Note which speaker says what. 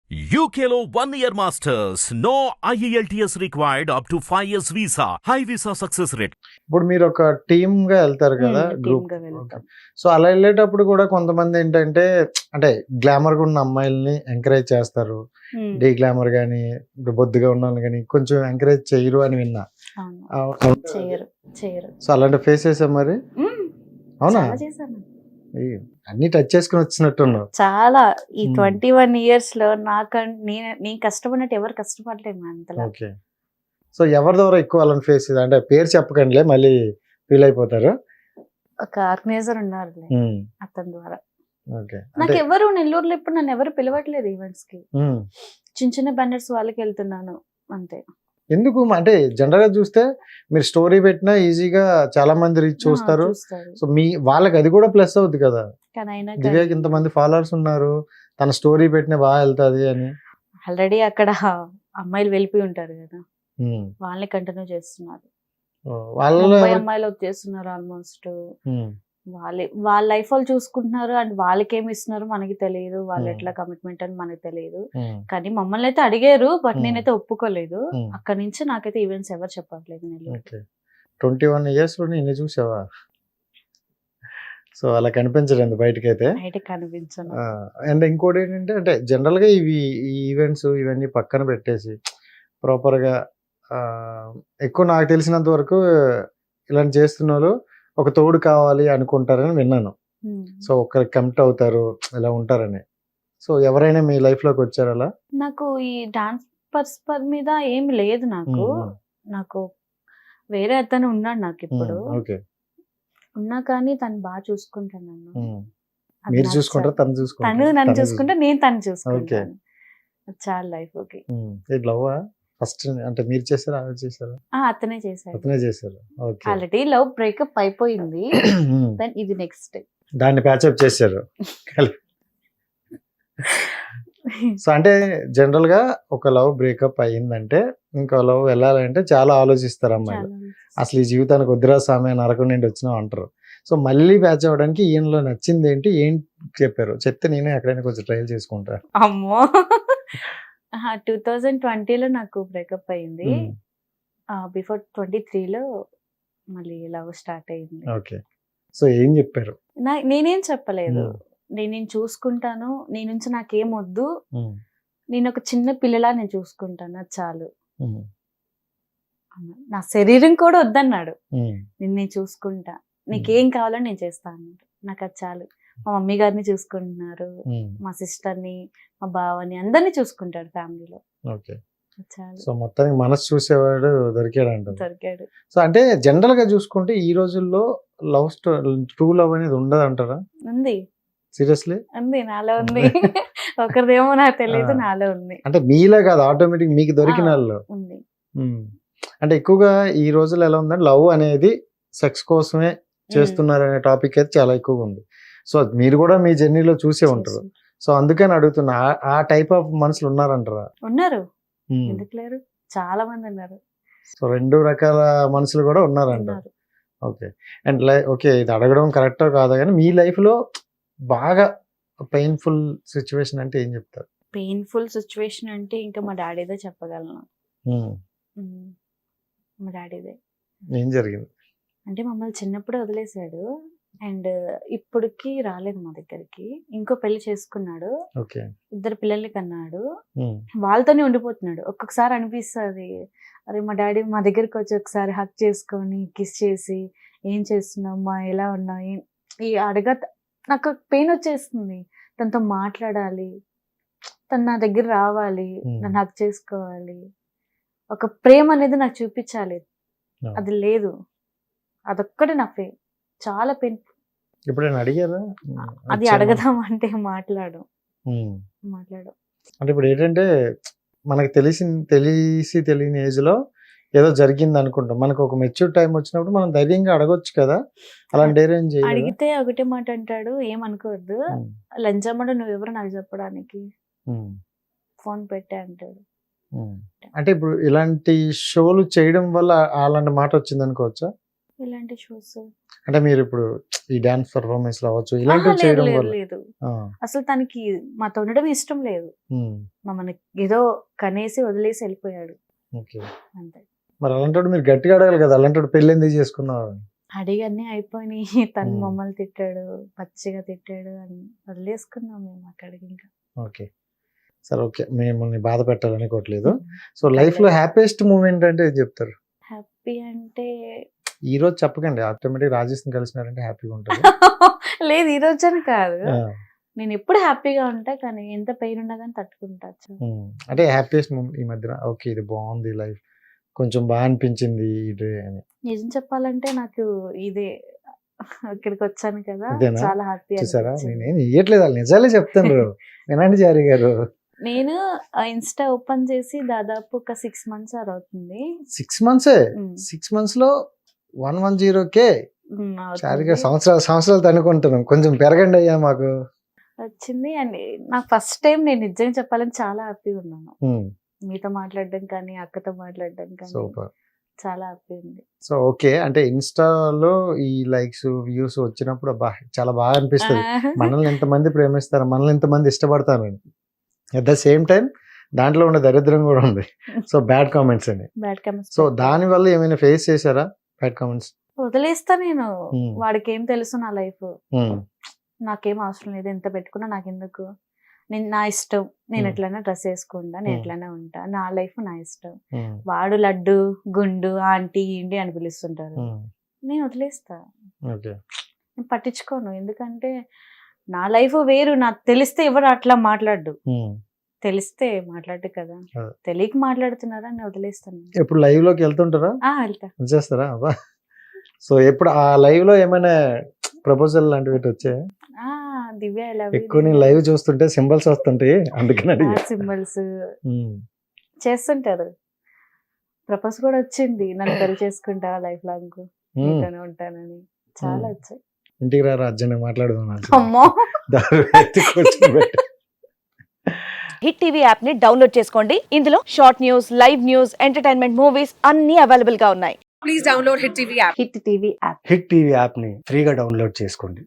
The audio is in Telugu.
Speaker 1: UKLO 1 year masters. No IELTS required up to 5 years visa. High visa success rate.
Speaker 2: ఇప్పుడు మీరు ఒక టీమ్ గా వెళ్తారు కదా
Speaker 3: టీమ్
Speaker 2: గ్రూప్.
Speaker 3: గా వెళ్తాం.
Speaker 2: సో అలా వెళ్ళేటప్పుడు కూడా కొంతమంది ఏంటంటే అంటే గ్లామర్ గా ఉన్న అమ్మాయిల్ని ఎంకరేజ్ చేస్తారు, డీ గ్లామర్ గానీ ఇప్పుడు బొద్దుగా ఉన్న వాళ్ళని కానీ కొంచెం ఎంకరేజ్ చేయరు అని విన్నా.
Speaker 3: అవును. చేయరు.
Speaker 2: సో అలాంటి ఫేస్ చేసాం మరి. అవునా?
Speaker 3: చాలా చేశాను.
Speaker 2: అన్ని టచ్ చేసుకుని వచ్చినట్టున్నావు.
Speaker 3: చాలా ఈ 21 years లో నేను కష్టపడినట్టు ఎవరు కష్టపడలేదు అంతలా.
Speaker 2: ఓకే. సో ఎవరి ద్వారా ఎక్కువ అలాంటి ఫేస్ అంటే పేరు చెప్పకండిలే మళ్ళీ ఫీల్ అయిపోతారు.
Speaker 3: ఒక ఆర్గనైజర్ ఉన్నారు అతని ద్వారా.
Speaker 2: ఓకే.
Speaker 3: నాకు ఎవరు నెల్లూరులో ఇప్పుడు నన్ను ఎవరు పిలవట్లేదు ఈవెంట్స్ కి. చిన్న చిన్న బ్యానర్స్ వాళ్ళకి వెళ్తున్నాను అంతే. ఎందుకు
Speaker 2: అంటే జనరల్ గా చూస్తే మీరు స్టోరీ పెట్టినా ఈజీగా చాలా మంది రీచ్ చూస్తారు. సో మీ వాళ్ళకి అది కూడా ప్లస్ అవుతుంది కదా. దివ్యాకి ఇంతమంది ఫాలోవర్స్ ఉన్నారు, తన స్టోరీ పెట్టినా బాగా వెళ్తాది అని.
Speaker 3: ఆల్రెడీ అక్కడ అమ్మాయిలు వెళ్ళిపోయి ఉంటారు కదా, వాళ్ళని కంటిన్యూ చేస్తున్నారు. వాళ్ళ అమ్మాయిలు చేస్తున్నారు ఆల్మోస్ట్. వాళ్ళ లైఫ్ వాళ్ళు చూసుకుంటున్నారు అండ్ వాళ్ళకి ఏమి ఇస్తున్నారు మనకి తెలియదు, వాళ్ళు ఎట్లా కమిట్మెంట్ అని మనకి తెలియదు. కానీ మమ్మల్ని అయితే అడిగారు, బట్ నేనైతే ఒప్పుకోలేదు. అక్కడ నుంచి నాకైతే ఈవెంట్స్ ఎవరు చెప్పట్లేదు.
Speaker 2: 21 years ఇన్ని చూసావా? సో అలా కనిపించలేదు బయటకైతే.
Speaker 3: కనిపించను.
Speaker 2: అండ్ ఇంకోటి ఏంటంటే అంటే జనరల్ గా ఈ ఈవెంట్స్ ఇవన్నీ పక్కన పెట్టేసి ప్రాపర్ గా ఎక్కువ నాకు తెలిసినంత వరకు ఇలాంటి చేస్తున్న వాళ్ళు ఒక తోడు కావాలి అనుకుంటారని విన్నాను. సో ఒకరికి కమిట్ అవుతారు, ఇలా ఉంటారని. సో ఎవరైనా మీ లైఫ్ లోకి వచ్చారు అలా?
Speaker 3: నాకు ఈ డాన్స్ పర్స్పెక్ట్ మీద ఏమి లేదు. నాకు వేరే అతను ఉన్నాడు నాకు ఇప్పుడు. ఉన్నా కానీ తను బాగా చూసుకుంటాను నన్ను.
Speaker 2: మీరు చూసుకుంటారు, తను
Speaker 3: నన్ను చూసుకుంటా, నేను తను చూసుకుంటాను. చాలా లైఫ్. ఓకే.
Speaker 2: లవ్ ఫస్ట్ అంటే మీరు చేశారా, ఆవిడ చేశారా?
Speaker 3: అతనే చేశారు.
Speaker 2: ఓకే.
Speaker 3: ఆల్రెడీ లవ్ బ్రేకప్ అయిపోయింది. దెన్ ఇది నెక్స్ట్
Speaker 2: దాన్ని ప్యాచప్ చేశారు. సో అంటే జనరల్ గా ఒక లవ్ బ్రేకప్ అయ్యిందంటే ఇంకో లవ్ వెళ్ళాలంటే చాలా ఆలోచిస్తారు అమ్మాయిలు. అసలు ఈ జీవితానికి వద్దురా సామె నరకం నుండి వచ్చినాం అంటారు. సో మళ్ళీ ప్యాచ్ అవ్వడానికి ఈయనలో నచ్చింది ఏంటి, ఏం చెప్పారు చెప్తే నేనే ఎక్కడైనా కొంచెం ట్రయల్ చేసుకుంటా.
Speaker 3: అమ్మో, 2020లో నాకు బ్రేకప్ అయింది. బిఫోర్ 23లో మళ్ళీ లవ్ స్టార్ట్ అయింది.
Speaker 2: ఓకే. సో ఏం చెప్పారు?
Speaker 3: నేనేం చెప్పలేదు. నేను చూసుకుంటాను, నీ నుంచి నాకేం వద్దు, నేను ఒక చిన్న పిల్లలా నేను చూసుకుంటాను, అది చాలు. నా శరీరం కూడా వద్దన్నాడు. నేను చూసుకుంటా, నీకేం కావాలో నేను చేస్తా అన్నాడు. నాకు అది చాలు. మా మమ్మీ గారిని చూసుకుంటున్నారు, మా సిస్టర్ని, మా బావని, అందరినీ చూసుకుంటాడు ఫ్యామిలీలో.
Speaker 2: ఓకే. సో మొత్తానికి మనసు చూసేవాడు దొరికాడు. సో అంటే జనరల్ గా చూసుకుంటే ఈ రోజుల్లో లవ్ స్టోరీ, ట్రూ లవ్ అనేది ఉండదు అంటారా?
Speaker 3: ఉంది.
Speaker 2: సీరియస్లీ
Speaker 3: ఉంది, నాలో ఉంది. ఒకరిదేమో నాకు తెలియదు, నాలో ఉంది.
Speaker 2: అంటే మీలో కాదు, ఆటోమేటిక్ మీకు దొరికిన వాళ్ళు ఉంది. అంటే ఎక్కువగా ఈ రోజుల్లో ఎలా ఉందంటే లవ్ అనేది సెక్స్ కోసమే చేస్తున్నారు అనే టాపిక్ అయితే చాలా ఎక్కువగా ఉంది. సో మీరు కూడా మీ జర్నీలో చూసే ఉంటారు. సో అందుకని అడుగుతున్నా, ఆ టైప్ ఆఫ్ మనుషులు ఉన్నారంటారా?
Speaker 3: ఉన్నారు, ఎందుకు లేరు, చాలా మంది ఉన్నారు.
Speaker 2: సో 2 రకాల మనుషులు కూడా ఉన్నారంటారు. ఓకే. అండ్ ఓకే, ఇది అడగడం కరెక్టో కాదా కానీ మీ లైఫ్ లో బాగా పెయిన్ఫుల్ సిచ్యువేషన్ అంటే ఏం చెప్తారు?
Speaker 3: పెయిన్ఫుల్ సిచ్యువేషన్ అంటే ఇంకా మా డాడీదే చెప్పగలను. మా డాడీదే.
Speaker 2: ఏం జరిగింది?
Speaker 3: అంటే మమ్మల్ని చిన్నప్పుడే వదిలేశాడు అండ్ ఇప్పటికి రాలేదు మా దగ్గరికి. ఇంకో పెళ్లి చేసుకున్నాడు, 2 పిల్లల్ని కన్నాడు, వాళ్ళతోనే ఉండిపోతున్నాడు. ఒక్కొక్కసారి అనిపిస్తుంది, అరే మా డాడీ మా దగ్గరికి వచ్చి ఒకసారి హక్ చేసుకొని కిస్ చేసి ఏం చేస్తున్నామ్మా, ఎలా ఉన్నావు, ఈ నాకు పెయిన్ వచ్చేస్తుంది. తనతో మాట్లాడాలి, తను నా దగ్గర రావాలి, నన్ను హక్ చేసుకోవాలి, ఒక ప్రేమ అనేది నాకు చూపించాలి. అది లేదు, అదొక్కటి నా చాలా పెయిన్.
Speaker 2: ఎప్పుడైనా అడిగారా?
Speaker 3: అది అడగదాం అంటే మాట్లాడు.
Speaker 2: అంటే ఇప్పుడు ఏంటంటే మనకు తెలిసి తెలియని ఏజ్ లో ఏదో జరిగింది అనుకుంటాం, మనకు ఒక మెచ్యూర్ టైం వచ్చినప్పుడు మనం ధైర్యంగా అడగొచ్చు కదా. అలాంటి ధైర్యం
Speaker 3: అడిగితే ఒకటే మాట అంటాడు, ఏమనుకోవద్దు, లంచమ్మడు నువ్వెవరు నాకు చెప్పడానికి, ఫోన్ పెట్టే అంటాడు.
Speaker 2: అంటే ఇప్పుడు ఇలాంటి షోలు చేయడం వల్ల అలాంటి మాట వచ్చింది అనుకోవచ్చా?
Speaker 3: ఇలాంటి షోస్
Speaker 2: అంటే మీరు ఇప్పుడు ఈ డాన్స్ పర్ఫార్మెన్స్ అవ్వచ్చు ఇలాంటివి
Speaker 3: లేదు
Speaker 2: చేయడం
Speaker 3: లేదు
Speaker 2: వల్ల
Speaker 3: లేదు
Speaker 2: ఆ,
Speaker 3: అసలు తనకి మాతో ఉండడం ఇష్టం లేదు.
Speaker 2: ఉమ్,
Speaker 3: మమ్మల్ని ఏదో కనేసి వదిలేసి వెళ్ళిపోయాడు
Speaker 2: ఓకే.
Speaker 3: అంతే.
Speaker 2: మరి అలాంటి మీరు గట్టిగా అడగాలి కదా, అలాంటి పెళ్ళి ఎందుకు చేసుకున్నావు?
Speaker 3: అడిగి అన్నీ అయిపోయినాయి. తను
Speaker 2: మ్మ్.
Speaker 3: మమ్మల్ని తిట్టాడు, పచ్చిగా తిట్టాడు అని వదిలేసుకున్నాం మేము అక్కడికి ఇంకా.
Speaker 2: ఓకే, సరే, ఓకే, మిమ్మల్ని బాధ పెట్టాలనుకోవట్లేదు. సో లైఫ్ లో హ్యాపీయెస్ట్ మూమెంట్ అంటే ఏది చెప్తారు?
Speaker 3: హ్యాపీ అంటే
Speaker 2: ఈ రోజు చెప్పకండి, ఆటోమేటిక్ రాజేష్ కలిసినారంటే హ్యాపీగా ఉంటుంది.
Speaker 3: లేదు ఈ రోజని కాదు,
Speaker 2: ఆ,
Speaker 3: నేను ఎప్పుడు హ్యాపీగా ఉంటా కానీ ఎంత పెయిన్ ఉన్నా కానీ తట్టుకుంటా.
Speaker 2: అంటే హ్యాపీయెస్ట్ మూమెంట్ ఈ మధ్యన, ఓకే ఇది బాగుంది లైఫ్, కొంచెం బాగా అనిపించింది ఇది అని.
Speaker 3: నిజం చెప్పాలంటే నాకు ఇదే ఇక్కడికి వచ్చాను కదా,
Speaker 2: ఇదేనా?
Speaker 3: చాలా హ్యాపీ
Speaker 2: చూసారా, నేనేం ఇయ్యట్లేదు, వాళ్ళు నిజాలే చెప్తాను. వినండి జారీ గారు,
Speaker 3: నేను ఇన్స్టా ఓపెన్ చేసి దాదాపు ఒక 6 months అవుతుంది.
Speaker 2: 6 months
Speaker 3: ఉమ్,
Speaker 2: 6 months లో 110K.
Speaker 3: అవుతుంది.
Speaker 2: చారీ గారు సంవత్సరాలు తనుకుంటున్నాం, కొంచెం పెరగండి అయ్యా మాకు.
Speaker 3: వచ్చింది అండ్ నాకు ఫస్ట్ టైం నేను నిజంగా చెప్పాలని చాలా హ్యాపీగా ఉన్నాను. మీతో మాట్లాడడం కానీ అక్కతో మాట్లాడడం కానీ
Speaker 2: సూపర్.
Speaker 3: చాలా హ్యాపీ ఉంది.
Speaker 2: సో ఓకే, అంటే ఇన్స్టాలో ఈ లైక్స్ వ్యూస్ వచ్చినప్పుడు అబ్బా చాలా బాగా అనిపిస్తుంది. మనల్ని ఎంతమంది ప్రేమిస్తారు, మనల్ని ఎంతమంది ఇష్టపడతారు అని. అట్ ద సేమ్ టైం దాంట్లో ఉండే దరిద్రం కూడా ఉంది. సో బ్యాడ్ కామెంట్స్ అని.
Speaker 3: బ్యాడ్ కామెంట్స్
Speaker 2: సో దాని వల్ల ఏమైనా ఫేస్ చేశారా బ్యాడ్ కామెంట్స్?
Speaker 3: వదిలేస్తా నేను.
Speaker 2: Hmm.
Speaker 3: వాడికి ఏం తెలుసు నా లైఫ్, నాకేం అవసరం లేదు, ఎంత పెట్టుకున్నా నాకెందుకు, నేను నా ఇష్టం, నేను
Speaker 2: Hmm.
Speaker 3: ఎట్లైనా డ్రెస్ వేసుకుంటా, నేను
Speaker 2: Hmm.
Speaker 3: ఎట్లైనా ఉంటా, నా లైఫ్ నా ఇష్టం. వాడు లడ్డు గుండు ఆంటీ ఇండి అని పిలుస్తుంటారు, నేను వదిలేస్తా,
Speaker 2: ఓకే.
Speaker 3: నేను పట్టించుకోను. ఎందుకంటే నా లైఫ్ వేరు, నాకు తెలిస్తే ఎవరు అట్లా మాట్లాడు, తెలిస్తే మాట్లాడు కదా,
Speaker 2: అదే.
Speaker 3: తెలియక మాట్లాడుతున్నారా నేను వదిలేస్తాను.
Speaker 2: ఎప్పుడు లైవ్ లోకి వెళ్తుంటారా,
Speaker 3: వెళ్తా.
Speaker 2: చేస్తారా? అబ్బా. సో ఎప్పుడు ఆ లైవ్ లో ఏమైనా ప్రపోజల్ లాంటివి వచ్చాయి?
Speaker 3: దివ్య
Speaker 2: ఎక్కువ నేను లైవ్ చూస్తుంటే సింబల్స్ వస్తుంటాయి, అందుకని అడిగా.
Speaker 3: సింబల్స్ చేస్తుంటారు. ప్రపోజ్ కూడా వచ్చింది, నన్ను పెళ్లి చేసుకుంటా లైఫ్ లాంగ్ నీతోనే ఉంటానని, చాలా వచ్చాయి.
Speaker 2: ఇంటికి రారా అర్జున్ మాట్లాడదాం.
Speaker 3: అమ్మో.
Speaker 4: హిట్ టీవీ యాప్ ని డౌన్లోడ్ చేసుకోండి. ఇందులో short news, live news, entertainment movies అన్ని అవైలబుల్ గా ఉన్నాయి.
Speaker 5: Please download Hit TV app.
Speaker 3: Hit TV app.
Speaker 6: Hit TV యాప్ని ఫ్రీగా డౌన్లోడ్ చేసుకోండి.